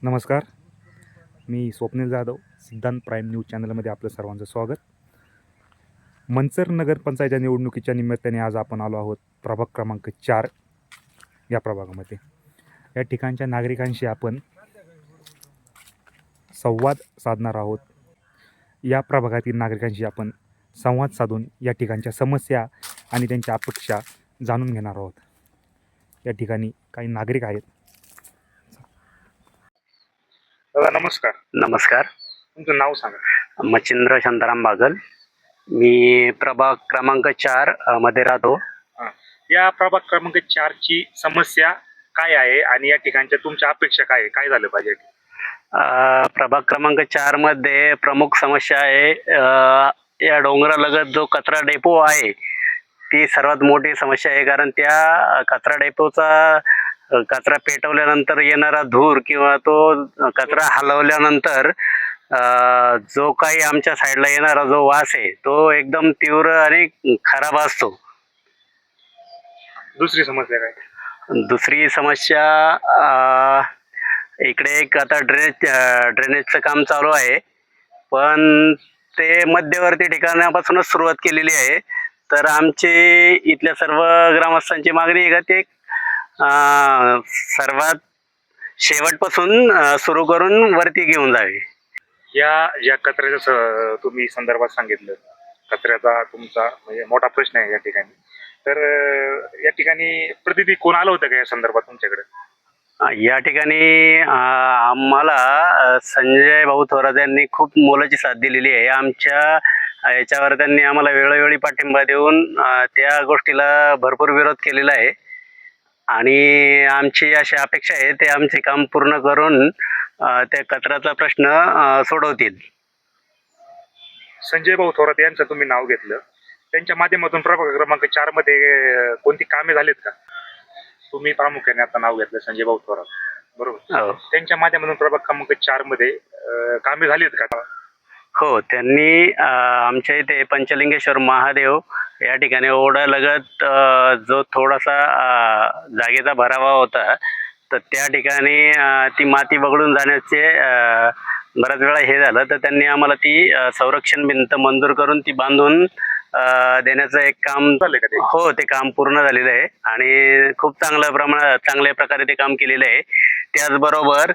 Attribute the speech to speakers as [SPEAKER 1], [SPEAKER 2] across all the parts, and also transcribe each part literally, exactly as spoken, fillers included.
[SPEAKER 1] नमस्कार, मी स्वप्नील जाधव, सिद्धांत prime news चॅनलमध्ये आपलं सर्वांचं स्वागत. मंचर नगरपंचायतच्या निवडणुकीच्या निमित्ताने आज आपण आलो आहोत प्रभाग क्रमांक चार या प्रभागामध्ये. या ठिकाणच्या नागरिकांशी आपण संवाद साधणार आहोत. या प्रभागातील नागरिकांशी आपण संवाद साधून या ठिकाणच्या समस्या आणि त्यांच्या अपेक्षा जाणून घेणार आहोत. या ठिकाणी काही नागरिक आहेत. दादा नमस्कार.
[SPEAKER 2] नमस्कार.
[SPEAKER 1] तुमचं नाव सांगा.
[SPEAKER 2] मच्छिंद्र शांताराम बागल. मी प्रभाग क्रमांक चार अ, मध्ये राहतो.
[SPEAKER 1] या प्रभाग क्रमांक चार ची समस्या काय आहे आणि या ठिकाणच्या तुमच्या अपेक्षा काय आहे? काय झालं पाहिजे?
[SPEAKER 2] अ, प्रभाग क्रमांक चार मध्ये प्रमुख समस्या आहे अ, या डोंगरालगत जो कचरा डेपो आहे ती सर्वात मोठी समस्या आहे. कारण त्या कचरा डेपोचा कचरा पेटवल्यानंतर येणारा धूर किंवा तो कचरा हलवल्यानंतर जो काही आमच्या साईडला येणारा जो वास आहे तो एकदम तीव्र आणि खराब असतो.
[SPEAKER 1] दुसरी समस्या काय?
[SPEAKER 2] दुसरी समस्या इकडे एक आता ड्रेनेज ड्रेनेजचं काम चालू आहे, पण ते मध्यवर्ती ठिकाणापासूनच सुरुवात केलेली आहे. तर आमची इथल्या सर्व ग्रामस्थांची मागणी आहे का ते सर्वात शेवटपासून सुरू करून वरती घेऊन जावे.
[SPEAKER 1] या ज्या कचऱ्याचं तुम्ही संदर्भात सांगितलं, कचऱ्याचा तुमचा म्हणजे मोठा प्रश्न आहे या ठिकाणी. तर या ठिकाणी प्रतिनिधी कोण आलं होतं का या संदर्भात तुमच्याकडे?
[SPEAKER 2] या ठिकाणी आम्हाला संजय भाऊ थोरात यांनी खूप मोलाची साथ दिलेली आहे. आमच्या याच्यावर त्यांनी आम्हाला वेळोवेळी पाठिंबा देऊन त्या गोष्टीला भरपूर विरोध केलेला आहे आणि आमची अशी अपेक्षा आहे ते आमचे काम पूर्ण करून त्या कचऱ्याचा प्रश्न सोडवतील.
[SPEAKER 1] संजय भाऊ थोरात यांचं तुम्ही नाव घेतलं, त्यांच्या माध्यमातून प्रभाग क्रमांक चार मध्ये कोणती कामे झालीत का? तुम्ही प्रामुख्याने आता नाव घेतलं संजय भाऊ थोरात, बरोबर? त्यांच्या माध्यमातून प्रभाग क्रमांक चार मध्ये कामे झालीत का?
[SPEAKER 2] हो, त्यांनी आमच्या इथे पंचलिंगेश्वर महादेव या ठिकाणी ओढ्यालगत जो थोडासा जागेचा भरावा होता तर त्या ठिकाणी ती माती बघडून जाण्याचे बऱ्याच वेळा हे झालं, तर त्यांनी आम्हाला ती संरक्षण भिंत मंजूर करून ती बांधून देण्याचं एक काम झालं का? हो, ते काम पूर्ण झालेलं आहे आणि खूप चांगल्या प्रमाणात चांगल्या प्रकारे ते काम केलेलं आहे. त्याचबरोबर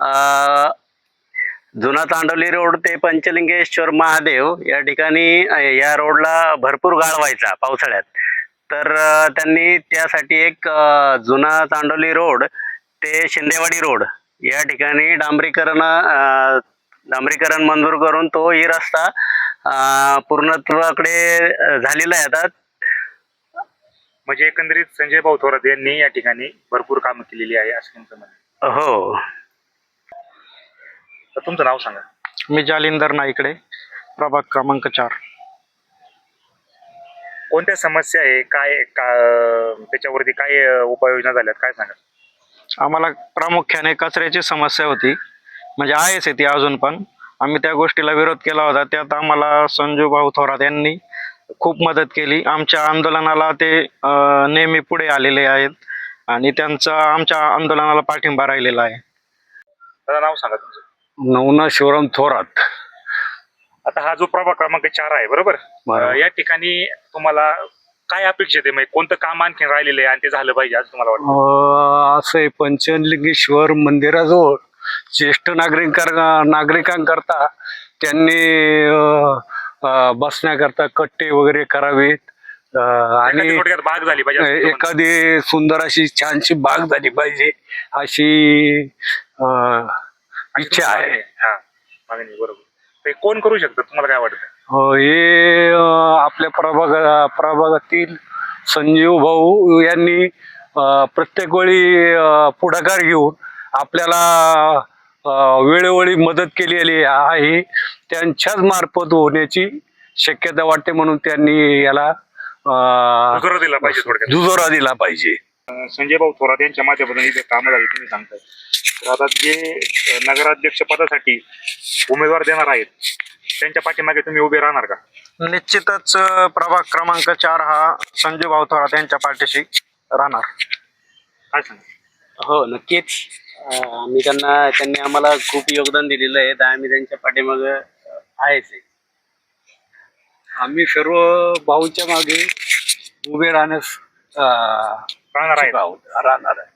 [SPEAKER 2] जुना तांडवली रोड ते पंचलिंगेश्वर महादेव या ठिकाणी या रोडला भरपूर गाळ व्हायचा पावसाळ्यात, तर त्यांनी त्यासाठी एक जुना तांडवली रोड ते शिंदेवाडी रोड या ठिकाणी डांबरीकरण डांबरीकरण मंजूर करून तो ही रस्ता पूर्णत्वाकडे झालेला आहे आता.
[SPEAKER 1] म्हणजे एकंदरीत संजय भाऊ थोरात यांनी या ठिकाणी भरपूर काम केलेली आहे असं तुमचं म्हणणं?
[SPEAKER 2] हो.
[SPEAKER 1] तर तुमचं नाव सांगा.
[SPEAKER 3] मी जालिंदर नाईकडे, प्रभाग क्रमांक चार.
[SPEAKER 1] कोणत्या समस्या आहे, काय का त्याच्यावरती काय उपाययोजना झाल्यात, काय सांगा?
[SPEAKER 3] आम्हाला प्रामुख्याने कचऱ्याची समस्या होती, म्हणजे आहेच ती अजून पण. आम्ही त्या गोष्टीला विरोध केला होता. त्यात आम्हाला संजू भाऊ थोरात यांनी खूप मदत केली. आमच्या आंदोलनाला ते नेहमी पुढे आलेले आहेत आणि त्यांचा आमच्या आंदोलनाला पाठिंबा राहिलेला आहे.
[SPEAKER 1] त्याचं नाव सांगा तुमचं.
[SPEAKER 4] नवना शिवराम थोरात.
[SPEAKER 1] आता हा जो प्रभाग क्रमांक चार आहे, बरोबर, या ठिकाणी तुम्हाला काय अपेक्षित आहे? म्हणजे कोणतं काम आणखी राहिलेलं आहे आणि ते झालं पाहिजे असं तुम्हाला वाटतं?
[SPEAKER 4] असं आहे, पंचलिंगेश्वर मंदिराजवळ ज्येष्ठ नागरिक नागरिकांकरता त्यांनी बसण्याकरता कट्टे वगैरे करावेत आणि
[SPEAKER 1] बाग झाली पाहिजे,
[SPEAKER 4] एखादी सुंदर अशी छानशी बाग झाली पाहिजे अशी इच्छा आहे.
[SPEAKER 1] हा, मागणी बरोबर. ते कोण करू शकतं तुम्हाला काय वाटतं?
[SPEAKER 4] हे आपल्या प्रभाग प्रभागातील संजीव भाऊ यांनी प्रत्येक वेळी पुढाकार घेऊन आपल्याला वेळोवेळी मदत केलेली आहे. त्यांच्याच मार्फत होण्याची शक्यता वाटते, म्हणून त्यांनी याला
[SPEAKER 1] दुजोरा दिला पाहिजे. थोडक्यात
[SPEAKER 4] दुजोरा दिला पाहिजे.
[SPEAKER 1] संजय भाऊ थोरात यांच्या माध्यमातून इथे कामं झाली तुम्ही सांगताय, तर आता जे नगराध्यक्ष पदासाठी उमेदवार देणार आहेत त्यांच्या पाठीमागे तुम्ही उभे राहणार का?
[SPEAKER 3] निश्चितच प्रभाग क्रमांक चार हा संजू भाऊ थोरात यांच्या पाठीशी राहणार.
[SPEAKER 1] काय सांगा?
[SPEAKER 2] हो, नक्कीच. अं, आम्ही त्यांना त्यांनी आम्हाला खूप योगदान दिलेलं आहे तर आम्ही त्यांच्या पाठीमाग आहेच आहे.
[SPEAKER 4] आम्ही सर्व भाऊच्या मागे उभे राहण्यास अं,
[SPEAKER 1] राहणार आहेत.
[SPEAKER 4] उत्सुक आहोत, राहणार आहे.